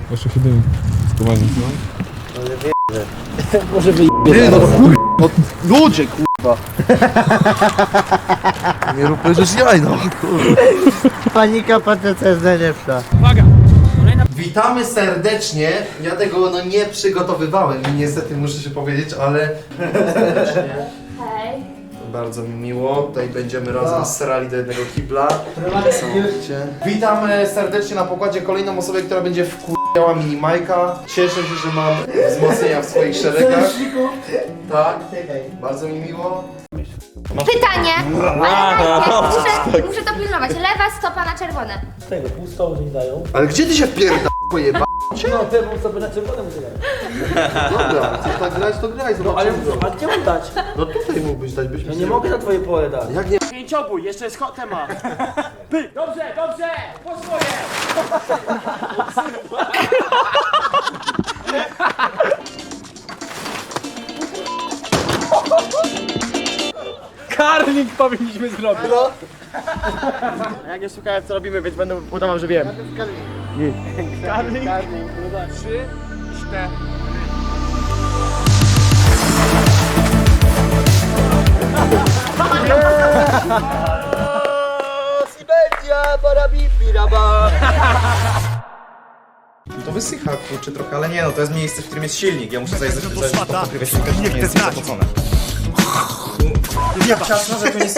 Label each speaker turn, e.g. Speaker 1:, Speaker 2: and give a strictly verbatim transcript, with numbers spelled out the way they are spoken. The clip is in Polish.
Speaker 1: Jeszcze się dymi. Spowalnie.
Speaker 2: Ale wie, może wyjdzie.
Speaker 3: Nie no kur... No, ludzie kurwa. Nie rób że z jaj no.
Speaker 2: Panika patrycja jest najlepsza.
Speaker 3: Witamy serdecznie. Ja tego no nie przygotowywałem i niestety muszę się powiedzieć, ale serdecznie.
Speaker 4: Hej.
Speaker 3: Bardzo mi miło. Tutaj będziemy razem strzelali do jednego kibla. Niesamowicie. Witam e, serdecznie na pokładzie kolejną osobę, która będzie wkurwiała mini Majka. Cieszę się, że mam wzmocnienia w swoich szeregach. Tak. Bardzo mi miło.
Speaker 4: Pytanie, ale najpierw muszę, muszę to pilnować. Lewa stopa na czerwone.
Speaker 2: Tego, pół stołu nie dają.
Speaker 3: Ale gdzie ty się wpierda pojeba?
Speaker 2: No, te pół stołu na czerwone mu dają.
Speaker 3: Dobra, chcesz tak grać, to graj,
Speaker 2: Ale,
Speaker 3: zobaczymy.
Speaker 2: a gdzie mam dać?
Speaker 3: No tutaj mógłbyś dać, byśmy
Speaker 2: Ja
Speaker 3: się-
Speaker 2: nie mogę na twoje pole dać.
Speaker 3: Jak nie?
Speaker 5: Pięciobój, jeszcze jest hot temat. Pyk! Dobrze, dobrze! Po swoje! Karnik powinniśmy zrobić. No. A jak nie szukałem co robimy, więc będę udawał, że wiem. Karnik. Karnik. Karnik. Trzy, cztery.
Speaker 6: To wysycha, kurczę, trochę, ale nie no, to jest miejsce, w którym jest silnik. Ja muszę sobie pokrywać silnika, nie chcę znać. Jak ciasno, że to nie